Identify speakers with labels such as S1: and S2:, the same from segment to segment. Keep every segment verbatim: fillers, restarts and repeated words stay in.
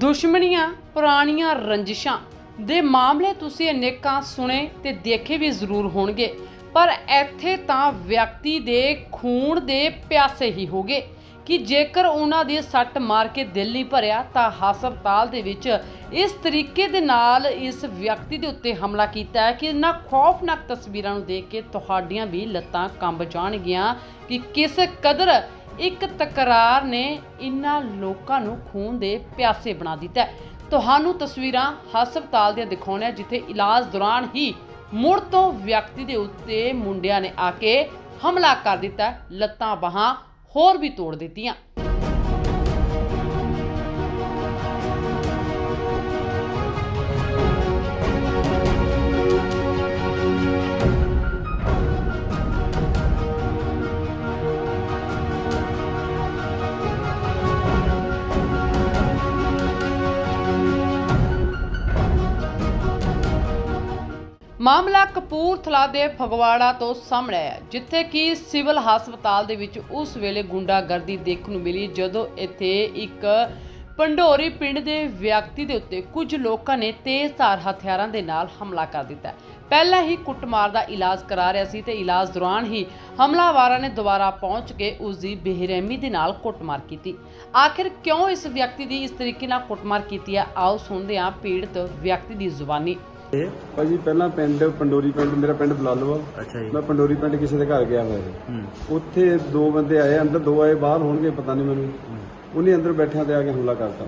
S1: ਦੁਸ਼ਮਣੀਆਂ, ਪੁਰਾਣੀਆਂ ਰੰਜਿਸ਼ਾਂ ਦੇ ਮਾਮਲੇ ਤੁਸੀਂ ਅਨੇਕਾਂ ਸੁਣੇ ਤੇ ਦੇਖੇ ਵੀ ਜ਼ਰੂਰ ਹੋਣਗੇ, ਪਰ ਇੱਥੇ ਤਾਂ ਵਿਅਕਤੀ ਦੇ ਖੂਨ ਦੇ ਪਿਆਸੇ ਹੀ ਹੋ ਗਏ ਕਿ ਜੇਕਰ ਉਹਨਾਂ ਦੀ ਸੱਟ ਮਾਰ ਕੇ ਦਿਲ ਨਹੀਂ ਭਰਿਆ ਤਾਂ ਹਸਪਤਾਲ ਦੇ ਵਿੱਚ ਇਸ ਤਰੀਕੇ ਦੇ ਨਾਲ ਇਸ ਵਿਅਕਤੀ ਦੇ ਉੱਤੇ ਹਮਲਾ ਕੀਤਾ ਹੈ ਕਿ ਇਹਨਾਂ ਖੌਫਨਾਕ ਤਸਵੀਰਾਂ ਨੂੰ ਦੇਖ ਕੇ ਤੁਹਾਡੀਆਂ ਵੀ ਲੱਤਾਂ ਕੰਬ ਜਾਣਗੀਆਂ ਕਿ ਕਿਸ ਕਦਰ ਇੱਕ ਤਕਰਾਰ ਨੇ ਇਹਨਾਂ ਲੋਕਾਂ ਨੂੰ ਖੂਨ ਦੇ ਪਿਆਸੇ ਬਣਾ ਦਿੱਤਾ। ਤੁਹਾਨੂੰ ਤਸਵੀਰਾਂ ਹਸਪਤਾਲ ਦੀਆਂ ਦਿਖਾਉਣੀਆਂ ਜਿੱਥੇ ਇਲਾਜ ਦੌਰਾਨ ਹੀ ਮੁੜ ਤੋਂ ਵਿਅਕਤੀ ਦੇ ਉੱਤੇ ਮੁੰਡਿਆਂ ਨੇ ਆ ਕੇ ਹਮਲਾ ਕਰ ਦਿੱਤਾ, ਲੱਤਾਂ ਬਾਹਾਂ ਹੋਰ ਵੀ ਤੋੜ ਦਿੱਤੀਆਂ। ਮਾਮਲਾ ਕਪੂਰਥਲਾ ਦੇ ਫਗਵਾੜਾ ਤੋਂ ਸਾਹਮਣੇ ਆਇਆ, ਜਿੱਥੇ ਕਿ ਸਿਵਲ ਹਸਪਤਾਲ ਦੇ ਵਿੱਚ ਉਸ ਵੇਲੇ ਗੁੰਡਾਗਰਦੀ ਦੇਖਣ ਨੂੰ ਮਿਲੀ ਜਦੋਂ ਇੱਥੇ ਇੱਕ ਪੰਡੋਰੀ ਪਿੰਡ ਦੇ ਵਿਅਕਤੀ ਦੇ ਉੱਤੇ ਕੁਝ ਲੋਕਾਂ ਨੇ ਤੇਜ਼ਧਾਰ ਹਥਿਆਰਾਂ ਦੇ ਨਾਲ ਹਮਲਾ ਕਰ ਦਿੱਤਾ। ਪਹਿਲਾਂ ਹੀ ਕੁੱਟਮਾਰ ਦਾ ਇਲਾਜ ਕਰਾ ਰਿਹਾ ਸੀ ਤੇ ਇਲਾਜ ਦੌਰਾਨ ਹੀ ਹਮਲਾਵਰਾਂ ਨੇ ਦੁਬਾਰਾ ਪਹੁੰਚ ਕੇ ਉਸ ਦੀ ਬੇਰਹਿਮੀ ਦੇ ਨਾਲ ਕੁੱਟਮਾਰ ਕੀਤੀ। ਆਖਿਰ ਕਿਉਂ ਇਸ ਵਿਅਕਤੀ ਦੀ ਇਸ ਤਰੀਕੇ ਨਾਲ ਕੁੱਟਮਾਰ ਕੀਤੀ ਹੈ, ਆਓ ਸੁਣਦੇ ਹਾਂ ਪੀੜਤ ਵਿਅਕਤੀ ਦੀ ਜ਼ੁਬਾਨੀ।
S2: ਭਾਜੀ ਪਹਿਲਾਂ ਪਿੰਡ ਪੰਡੋਰੀ ਪਿੰਡ ਮੇਰਾ ਪਿੰਡ ਬਲਾਲੋ ਆ।
S3: ਅੱਛਾ ਜੀ।
S2: ਮੈਂ ਪੰਡੋਰੀ ਪਿੰਡ ਕਿਸੇ ਦੇ ਘਰ ਗਿਆ ਹੋਇਆ ਸੀ। ਉੱਥੇ ਦੋ ਬੰਦੇ ਆਏ, ਅੰਦਰ ਦੋ ਆਏ, ਬਾਹਰ ਹੋਣਗੇ ਪਤਾ ਨਹੀਂ ਮੈਨੂੰ। ਉਹਨੇ ਅੰਦਰ ਬੈਠਿਆਂ ਤੇ ਆ ਕੇ ਹਮਲਾ ਕਰਤਾ।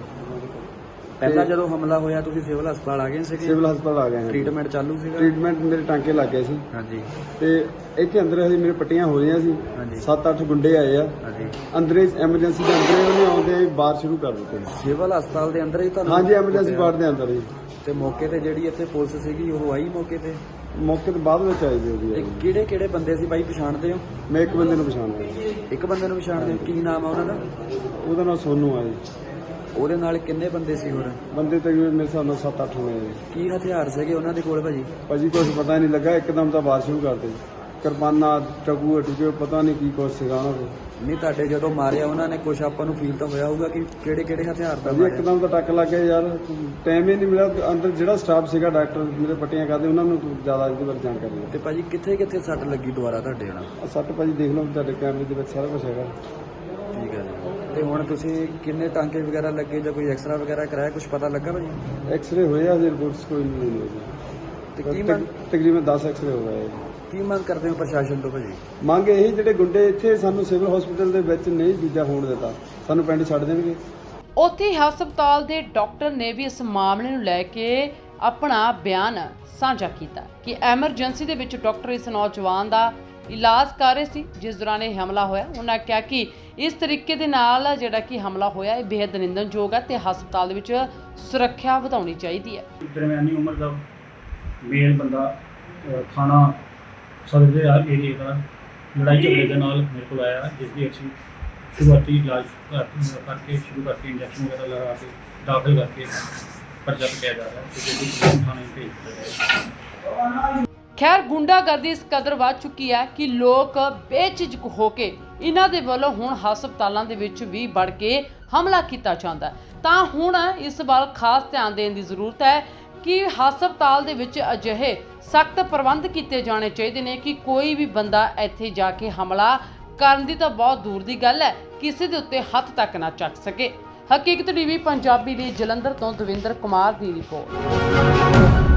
S3: ਪਹਿਲਾਂ ਜਦੋਂ ਹਮਲਾ ਹੋਇਆ ਤੁਸੀਂ ਸਿਵਲ ਹਸਪਤਾਲ ਆ ਗਏ ਸੀ?
S2: ਸਿਵਲ ਹਸਪਤਾਲ ਆ ਗਏ ਹਾਂ।
S3: ਟ੍ਰੀਟਮੈਂਟ ਚਾਲੂ ਸੀਗਾ?
S2: ਟ੍ਰੀਟਮੈਂਟ ਮੇਰੇ ਟਾਂਕੇ ਲੱਗ ਗਏ ਸੀ।
S3: ਹਾਂਜੀ।
S2: ਤੇ ਇੱਥੇ ਅੰਦਰ ਹਜੇ ਮੇਰੇ ਪੱਟੀਆਂ ਹੋ ਰਹੀਆਂ ਸੀ।
S3: ਹਾਂਜੀ।
S2: ਸੱਤ ਅੱਠ ਗੁੰਡੇ ਆਏ ਆ।
S3: ਹਾਂਜੀ।
S2: ਅੰਦਰੇ ਐਮਰਜੈਂਸੀ ਦੇ ਅੰਦਰੇ ਉਹਨੇ ਆਉਂਦੇ ਬਾਹਰ ਸ਼ੁਰੂ ਕਰ ਦਿੱਤੇ।
S3: ਸਿਵਲ ਹਸਪਤਾਲ ਦੇ ਅੰਦਰ ਹੀ ਤੁਹਾਨੂੰ?
S2: ਹਾਂਜੀ, ਐਮਰਜੈਂਸੀ ਵਾਰਡ ਦੇ ਅੰਦਰ ਹੀ।
S3: ਤੇ ਮੌਕੇ ਤੇ ਜਿਹੜੀ ਇੱਥੇ ਪੁਲਿਸ ਸੀਗੀ ਉਹ ਆਈ ਮੌਕੇ ਤੇ?
S2: ਮੌਕੇ ਤੇ ਬਾਅਦ ਵਿੱਚ ਆਈ ਜੀ ਉਹਦੀ।
S3: ਕਿਹੜੇ ਕਿਹੜੇ ਬੰਦੇ ਸੀ ਬਾਈ, ਪਛਾਣਦੇ ਹੋ?
S2: ਮੈਂ ਇੱਕ ਬੰਦੇ ਨੂੰ ਪਛਾਣਦਾ।
S3: ਇੱਕ ਬੰਦੇ ਨੂੰ ਪਛਾਣਦੇ ਹੋ? ਕੀ ਨਾਮ ਆ ਉਹਨਾਂ ਦਾ?
S2: ਉਹਦਾ ਨਾਮ ਸੋਨੂ ਆ ਜੀ।
S3: ਉਹਦੇ ਨਾਲ ਕਿੰਨੇ ਬੰਦੇ ਸੀ ਹੋਰ?
S2: ਬੰਦੇ ਤਕਰੀਬਨ ਮੇਰੇ ਹਿਸਾਬ ਨਾਲ ਸੱਤ ਅੱਠ ਹੋਣੇ।
S3: ਕੀ ਹਥਿਆਰ ਸੀਗੇ ਉਹਨਾਂ ਦੇ ਕੋਲ ਭਾਜੀ?
S2: ਭਾਜੀ ਕੁਛ ਪਤਾ ਨਹੀਂ ਲੱਗਾ, ਇੱਕਦਮ ਤਾਂ ਬਾਹਰ ਸ਼ੁਰੂ ਕਰਦੇ। ਕਿਰਪਾਨਾਂ, ਟਕੂ ਟੁਕੇ, ਪਤਾ ਨਹੀਂ ਕੀ ਕੁਛ ਸੀਗਾ ਉਹਨਾਂ ਕੋਲ।
S3: ਨਹੀਂ ਤੁਹਾਡੇ ਜਦੋਂ ਮਾਰਿਆ ਉਹਨਾਂ ਨੇ ਕੁਛ ਆਪਾਂ ਨੂੰ ਫੀਲ ਤਾਂ ਹੋਇਆ ਹੋਊਗਾ ਕਿ ਕਿਹੜੇ ਕਿਹੜੇ ਹਥਿਆਰ ਦਾ ਮਾਰਿਆ?
S2: ਇੱਕਦਮ ਤਾਂ ਟੱਕ ਲੱਗ ਗਿਆ ਯਾਰ, ਟਾਈਮ ਹੀ ਨਹੀਂ ਮਿਲਿਆ। ਅੰਦਰ ਜਿਹੜਾ ਸਟਾਫ ਸੀਗਾ, ਡਾਕਟਰ ਮੇਰੇ ਪੱਟੀਆਂ ਕਰਦੇ, ਉਹਨਾਂ ਨੂੰ ਜ਼ਿਆਦਾ ਇਹਦੇ ਬਾਰੇ ਜਾਣਕਾਰੀ ਹੈ।
S3: ਤੇ ਭਾਜੀ ਕਿੱਥੇ ਕਿੱਥੇ ਸੱਟ ਲੱਗੀ ਦੁਬਾਰਾ ਤੁਹਾਡੇ ਨਾਲ?
S2: ਸੱਟ ਭਾਜੀ ਦੇਖ ਲਓ ਤੁਹਾਡੇ ਕੈਮਰੇ ਦੇ ਵਿੱਚ ਸਾਰਾ ਕੁਝ ਹੈਗਾ।
S3: ਠੀਕ ਹੈ ਜੀ। ਤੇ ਹੁਣ ਤੁਸੀਂ ਕਿੰਨੇ ਟਾਂਕੇ ਵਗੈਰਾ ਲੱਗੇ ਜਾਂ ਕੋਈ ਐਕਸਰਾ ਵਗੈਰਾ ਕਰਾਇਆ, ਕੁਝ ਪਤਾ ਲੱਗਾ ਭਾਜੀ?
S2: ਐਕਸਰੇ ਹੋਏ ਆ, ਜੇ ਰਿਪੋਰਟਸ ਕੋਈ ਨਹੀਂ ਹੋਈ।
S3: ਤੇ ਕੀ ਮੰਗ,
S2: ਤਕਰੀਬਨ ਦਸ ਐਕਸਰੇ ਹੋ ਗਏ।
S3: ਕੀ ਮੰਗ ਕਰਦੇ ਹੋ ਪ੍ਰਸ਼ਾਸਨ ਤੋਂ ਭਾਜੀ?
S2: ਮੰਗ ਇਹੀ, ਜਿਹੜੇ ਗੁੰਡੇ ਇੱਥੇ ਸਾਨੂੰ ਸਿਵਲ ਹਸਪੀਟਲ ਦੇ ਵਿੱਚ ਨਹੀਂ ਦੂਜਾ ਹੋਣ ਦਿੱਤਾ, ਸਾਨੂੰ ਪਿੰਡ ਛੱਡ ਦੇਣਗੇ।
S1: ਉੱਥੇ ਹਸਪਤਾਲ ਦੇ ਡਾਕਟਰ ਨੇ ਵੀ ਇਸ ਮਾਮਲੇ ਨੂੰ ਲੈ ਕੇ ਆਪਣਾ ਬਿਆਨ ਸਾਂਝਾ ਕੀਤਾ ਕਿ ਐਮਰਜੈਂਸੀ ਦੇ ਵਿੱਚ ਡਾਕਟਰ ਇਸ ਨੌਜਵਾਨ ਦਾ ਇਲਾਜ ਕਰ ਰਹੇ ਸੀ ਜਿਸ ਦੌਰਾਨ ਇਹ ਹਮਲਾ ਹੋਇਆ। ਉਹਨਾਂ ਕਿਹਾ ਕਿ ਇਸ ਤਰੀਕੇ ਦੇ ਨਾਲ ਜਿਹੜਾ ਕਿ ਹਮਲਾ ਹੋਇਆ ਇਹ ਬੇहद ਨਿੰਦਣਯੋਗ ਹੈ ਤੇ ਹਸਪਤਾਲ ਦੇ ਵਿੱਚ ਸੁਰੱਖਿਆ ਵਧਾਉਣੀ ਚਾਹੀਦੀ ਹੈ।
S4: ਦਰਮਿਆਨੀ ਉਮਰ ਦਾ ਮੇਲ ਬੰਦਾ ਥਾਣਾ ਸਦਰ ਦੇ ਏਰੀਏ ਦਾ ਲੜਾਈ ਝਗੜੇ ਦੇ ਨਾਲ ਮੇਰੇ ਕੋਲ ਆਇਆ, ਜਿਸ ਦੀ ਅਸੀਂ ਸ਼ੁਰੂਆਤੀ ਇਲਾਜ ਕਰਕੇ ਸ਼ੁਰੂ ਕਰਕੇ ਇੰਜੈਕਸ਼ਨ ਵਗੈਰਾ ਲਗਾ ਕੇ ਦਾਖਲ ਕਰਕੇ ਪਰਚਾ ਕੱਟਿਆ ਜਾ ਰਿਹਾ ਹੈ ਤੇ ਜਿਹੜੀ ਥਾਣੇ ਭੇਜ ਦਿੱਤਾ ਹੈ।
S1: ਖੈਰ ਗੁੰਡਾਗਰਦੀ ਇਸ ਕਦਰ ਵੱਧ ਚੁੱਕੀ ਹੈ ਕਿ ਲੋਕ ਬੇਝਿਜਕ ਹੋ ਕੇ ਇਹਨਾਂ ਦੇ ਵੱਲੋਂ ਹੁਣ ਹਸਪਤਾਲਾਂ ਦੇ ਵਿੱਚ ਵੀ ਵੜ ਕੇ ਹਮਲਾ ਕੀਤਾ ਜਾਂਦਾ, ਤਾਂ ਹੁਣ ਇਸ ਵੱਲ ਖਾਸ ਧਿਆਨ ਦੇਣ ਦੀ ਜ਼ਰੂਰਤ ਹੈ ਕਿ ਹਸਪਤਾਲ ਦੇ ਵਿੱਚ ਅਜਿਹੇ ਸਖਤ ਪ੍ਰਬੰਧ ਕੀਤੇ ਜਾਣੇ ਚਾਹੀਦੇ ਨੇ ਕਿ ਕੋਈ ਵੀ ਬੰਦਾ ਇੱਥੇ ਜਾ ਕੇ ਹਮਲਾ ਕਰਨ ਦੀ ਤਾਂ ਬਹੁਤ ਦੂਰ ਦੀ ਗੱਲ ਹੈ, ਕਿਸੇ ਦੇ ਉੱਤੇ ਹੱਥ ਤੱਕ ਨਾ ਚੱਕ ਸਕੇ। ਹਕੀਕਤ ਟੀਵੀ ਪੰਜਾਬੀ ਲਈ ਜਲੰਧਰ ਤੋਂ ਦਵਿੰਦਰ ਕੁਮਾਰ ਦੀ ਰਿਪੋਰਟ।